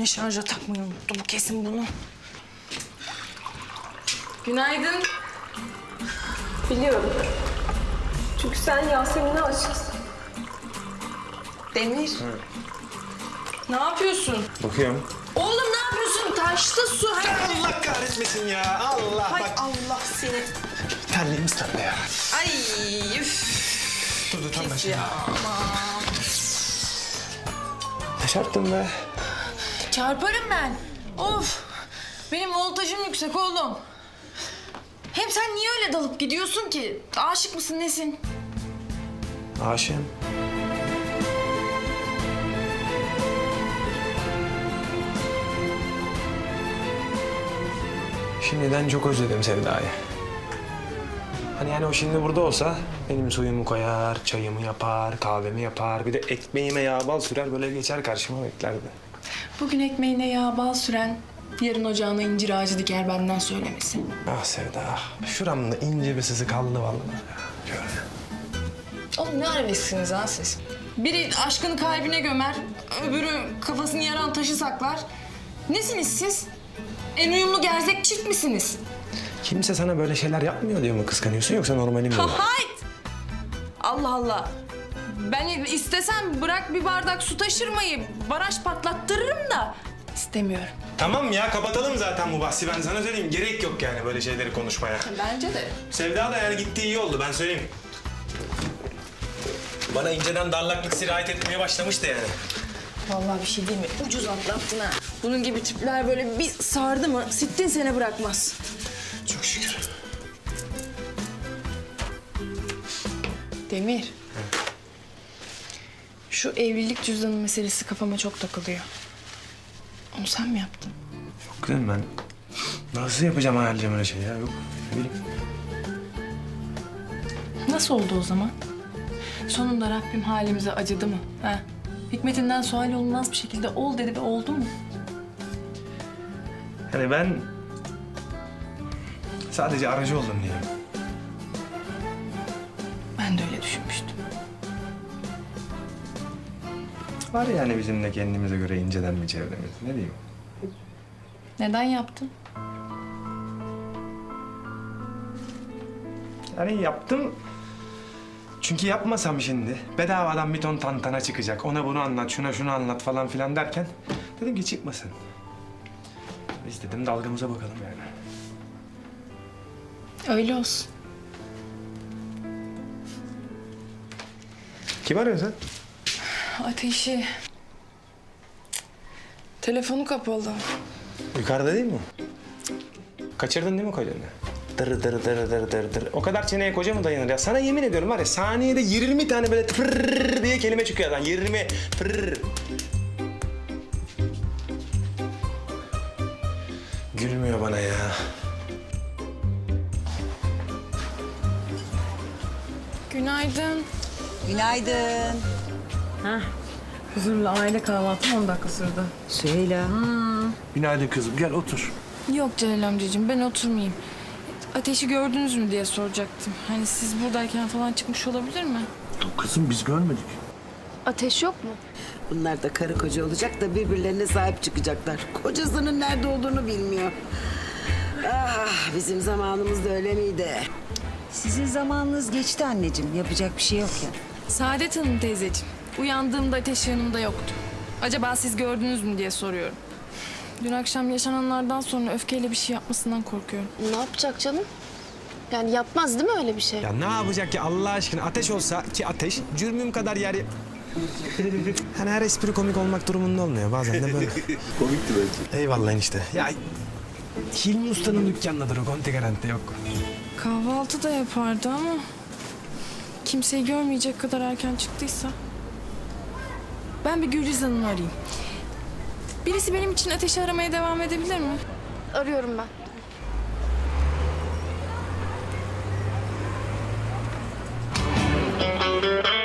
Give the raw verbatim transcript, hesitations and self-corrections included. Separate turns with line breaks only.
Yine şarja takmayı unuttum. Kesin bunu. Günaydın.
Biliyorum. Çünkü sen Yasemin'e aşıksın.
Demir.
Hı.
Ne yapıyorsun?
Bakıyorum.
Oğlum ne yapıyorsun? Taşta su. Hay
Allah kahretmesin ya. Allah
Hay
bak.
Allah seni.
Terliğimiz terli ya.
Ay üf.
Dur dur tam ben
Pis
şimdi.
ya. Aman.
Ne çarptın be?
Çarparım ben. Of. Benim voltajım yüksek oğlum. Hem sen niye öyle dalıp gidiyorsun ki? Aşık mısın nesin?
Aşığım. Şimdiden çok özledim Sevda'yı. Hani yani o şimdi burada olsa benim suyumu koyar, çayımı yapar, kahvemi yapar. Bir de ekmeğime yağ bal sürer böyle geçer karşıma beklerdi.
Bugün ekmeğine yağ bal süren, yarın ocağına incir ağacı diker benden söylemesi.
Ah Sevda, ah. Şuramda ince bir sızı kaldı vallahi ya. Şöyle.
Oğlum ne arabesksiniz ha siz? Biri aşkını kalbine gömer, öbürü kafasını yaran taşı saklar. Nesiniz siz? En uyumlu gerzek çift misiniz?
Kimse sana böyle şeyler yapmıyor diye mi kıskanıyorsun yoksa normali mi bu?
Hayt! Allah Allah. Ben istesem bırak bir bardak su taşırmayı, baraj patlattırırım da istemiyorum.
Tamam ya kapatalım zaten bu bahsi ben sana söyleyeyim. Gerek yok yani böyle şeyleri konuşmaya.
Bence de.
Sevda da yani gittiği iyi oldu ben söyleyeyim. Bana inceden darlaklık sirayet etmeye başlamıştı yani.
Vallahi bir şey değil mi? Ucuz atlattın ha. Bunun gibi tipler böyle bir sardı mı sittin sene bırakmaz.
Çok şükür.
Demir. Şu evlilik cüzdanı meselesi kafama çok takılıyor. Onu sen mi yaptın?
Yok kızım ben nasıl yapacağım hayalcem öyle şey ya yok. Ne bileyim.
Nasıl oldu o zaman? Sonunda Rabbim halimize acıdı mı? Ha? Hikmetinden sual olmaz bir şekilde ol dedi ve oldu mu?
Yani ben sadece aracı oldum diyelim.
Ben de öyle düşünmüştüm.
Var yani bizim de kendimize göre inceden bir çevremiz. Ne diyeyim?
Neden yaptın?
Yani yaptım. Çünkü yapmasam şimdi bedavadan bir ton tantana çıkacak. Ona bunu anlat, şuna şunu anlat falan filan derken dedim ki çıkmasın. Biz dedim dalgamıza bakalım yani.
Öyle olsun.
Kim arıyor sen?
Ateşi. Telefonu kapalı.
Yukarıda değil mi? Kaçırdın değil mi kocanı? Dır dır dır dır dır dır. O kadar çeneye koca mı dayanır ya? Sana yemin ediyorum var ya saniyede yirmi tane böyle fırr diye kelime çıkıyor lan. yirmi fırr. Gülmüyor bana ya.
Günaydın.
Günaydın.
Huzurlu aile kahvaltım on dakika sürdü.
Süheyla.
Günaydın kızım. Gel otur.
Yok Celal amcacığım ben oturmayayım. Ateşi gördünüz mü diye soracaktım. Hani siz buradayken falan çıkmış olabilir mi?
Yok kızım biz görmedik.
Ateş yok mu?
Bunlar da karı koca olacak da birbirlerine sahip çıkacaklar. Kocasının nerede olduğunu bilmiyor. Ah, bizim zamanımız da öyle miydi?
Sizin zamanınız geçti anneciğim. Yapacak bir şey yok ya.
Saadet Hanım teyzeciğim. Uyandığımda Ateş yanımda yoktu. Acaba siz gördünüz mü diye soruyorum. Dün akşam yaşananlardan sonra öfkeyle bir şey yapmasından korkuyorum.
Ne yapacak canım? Yani yapmaz değil mi öyle bir şey?
Ya ne yapacak ya Allah aşkına ateş olsa ki ateş cürmüm kadar yer... Hani her espri komik olmak durumunda olmuyor bazen de böyle.
Komikti bence.
Eyvallah enişte. Ya Hilmi Usta'nın dükkanındadır o konti garanti yok.
Kahvaltı da yapardı ama... kimseyi görmeyecek kadar erken çıktıysa... Ben bir Gülriz Hanım'ı arayayım. Birisi benim için Ateş'i aramaya devam edebilir mi?
Arıyorum ben.